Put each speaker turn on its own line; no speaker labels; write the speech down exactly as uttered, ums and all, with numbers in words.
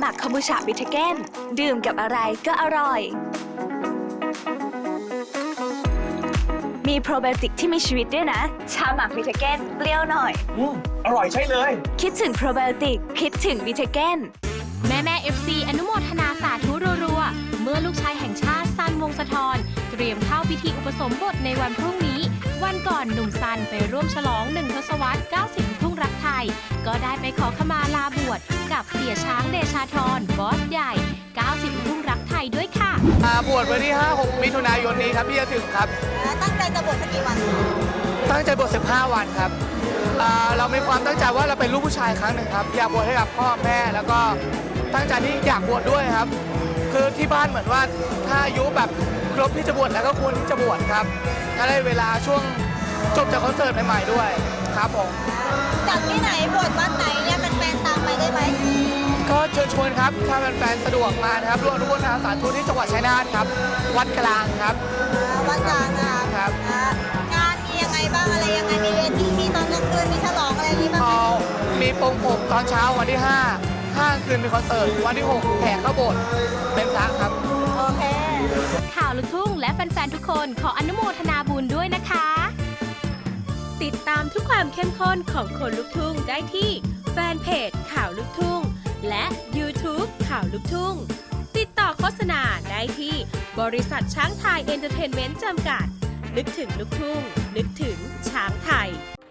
หมักคอมบูชาบิทเกนดื่มกับอะไรก็อร่อยมีโปรไบโอติกที่มีชีวิตด้วยนะชาหมักบิทเกนเปรี้ยวหน่อย
อืมอร่อยใช่เลย
คิดถึงโปรไบโอติกคิดถึงบิทเกน
แม่แม่เอฟซีอนุโมทนาสาธุรัวๆเมื่อลูกชายแห่งชาติซันวงศ์สะทรเตรียมเข้าพิธีอุปสมบทในวันพรุ่งนี้วันก่อนหนุ่มซันไปร่วมฉลองหนึ่งทศวรรษเก้าสิบทุ่งรักไทยก็ได้ไปขอขมาลาบวชกับเสียช้างเดชาธรบอสใหญ่เก้าสิบทุ่งรักไทยด้วยค่ะ
บวชวันที่ ห้าหก มิถุนายนนี้ครับที่จะถึงครับ
ตั้งใจจะบวชสักกี่วัน
ตั้งใจบวชสิบห้าวันครับเรามีความตั้งใจว่าเราเป็นลูกผู้ชายครั้งหนึ่งครับอยากบวชให้กับพ่อแม่แล้วก็ตั้งใจที่อยากบวชด้วยครับคือที่บ้านเหมือนว่าถ้าอายุแบบครบที่จะบวชแล้วก็ควรที่จะบวชครับก็ได้เวลาช่วงจบจากคอนเสิร์ตใหม่ๆด้วยครับผม
จากที่ไหนบวชวัดไหนเนี่ยแฟนๆตามไปได้ไหม
ก็เชิญชวนครับถ้าแฟนๆสะดวกมานะครับร่วมร่วมทางสาธุที่จังหวัดชัยนาทครับวัดกลางครับ
วัดกลางนะครับงานมียังไงบ้างอะไรยังไงมีเวทีมีตอนกลางคืนมีฉลองอะไรนี้บ้าง
มีโปงผมตอนเช้าวันที่ห้าห้าคืนมีคอนเสิร์ตวันที่หกแห่เข้าโบสถ์เป็นพระครับ
โอเค
ข่าวลูกทุ่งและแฟนๆทุกคนขออนุโมทนาบุญด้วยนะคะติดตามทุกความเข้มข้นของคนลูกทุ่งได้ที่แฟนเพจข่าวลูกทุ่งและ YouTube ข่าวลูกทุ่งติดต่อโฆษณาได้ที่บริษัทช้างไทยเอนเตอร์เทนเมนต์จำกัดนึกถึงลูกทุ่งนึกถึงช้างไทย